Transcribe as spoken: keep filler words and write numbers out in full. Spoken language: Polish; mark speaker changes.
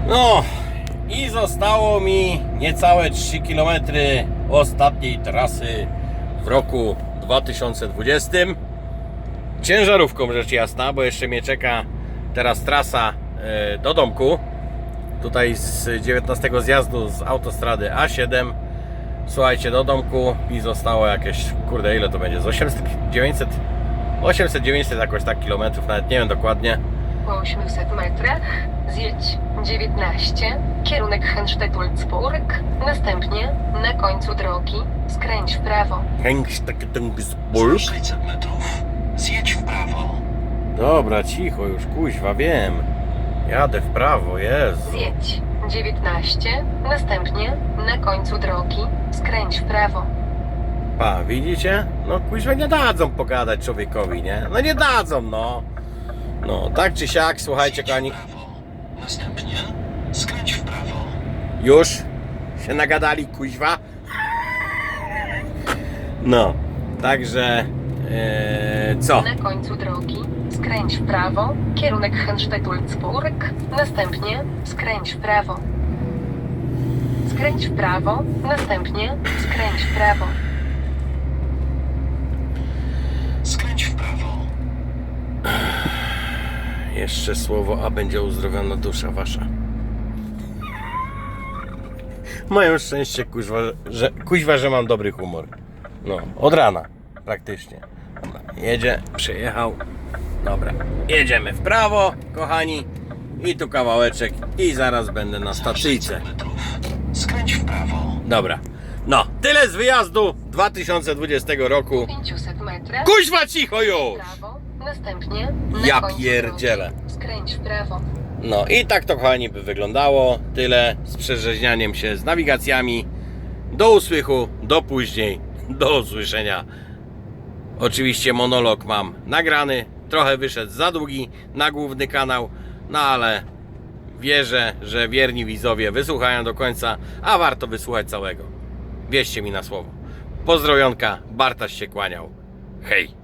Speaker 1: No i zostało mi niecałe trzy kilometry ostatniej trasy w roku dwa tysiące dwudziestym. Ciężarówką rzecz jasna, bo jeszcze mnie czeka teraz trasa do domku. Tutaj z dziewiętnastego zjazdu z autostrady A siedem. Słuchajcie, do domku mi zostało jakieś, kurde, ile to będzie? Z osiemset, dziewięćset, osiemset, dziewięćset jakoś tak kilometrów, nawet nie wiem dokładnie.
Speaker 2: Po osiemset metrach zjedź dziewiętnaście, kierunek Henstedt-Ulzburg, następnie na końcu drogi skręć w prawo.
Speaker 1: Henstedt-Ulzburg?
Speaker 3: sześćset metrów. Zjedź w prawo.
Speaker 1: Dobra, cicho już, kuźwa, wiem. Jadę w prawo, Jezu.
Speaker 2: Zjedź dziewiętnaście, następnie na końcu drogi skręć w prawo.
Speaker 1: Pa, widzicie? No kuźwa, nie dadzą pogadać człowiekowi, nie? No nie dadzą, no. No, tak czy siak, słuchajcie,
Speaker 3: Zjedź
Speaker 1: kochani.
Speaker 3: w prawo. Następnie skręć w prawo.
Speaker 1: Już się nagadali, kuźwa. No, także e, co?
Speaker 2: Na końcu drogi skręć w prawo, kierunek Henstedt-Ulzburg, następnie skręć w prawo. Skręć w prawo, następnie skręć w prawo.
Speaker 3: Skręć w prawo.
Speaker 1: Jeszcze słowo, a będzie uzdrowiona dusza wasza. Mają szczęście, kuźwa, że, kuźwa, że mam dobry humor. No, od rana praktycznie. Dobra, jedzie, przyjechał. Dobra, jedziemy w prawo, kochani. I tu kawałeczek i zaraz będę na stacyjce.
Speaker 3: sześćset metrów. Skręć w prawo.
Speaker 1: Dobra, no, tyle z wyjazdu dwa tysiące dwudziestego roku.
Speaker 2: pięćset metrach
Speaker 1: Kuźwa, cicho
Speaker 2: w
Speaker 1: już!
Speaker 2: prawo, następnie na
Speaker 1: Ja
Speaker 2: końcu
Speaker 1: pierdzielę.
Speaker 2: drogi skręć w prawo.
Speaker 1: No i tak to, kochani, by wyglądało. Tyle z przerzeźnianiem się z nawigacjami. Do usłychu, do później, do usłyszenia. Oczywiście monolog mam nagrany, trochę wyszedł za długi na główny kanał, no ale wierzę, że wierni widzowie wysłuchają do końca, a warto wysłuchać całego. Wierzcie mi na słowo. Pozdrowionka, Bartaś się kłaniał. Hej!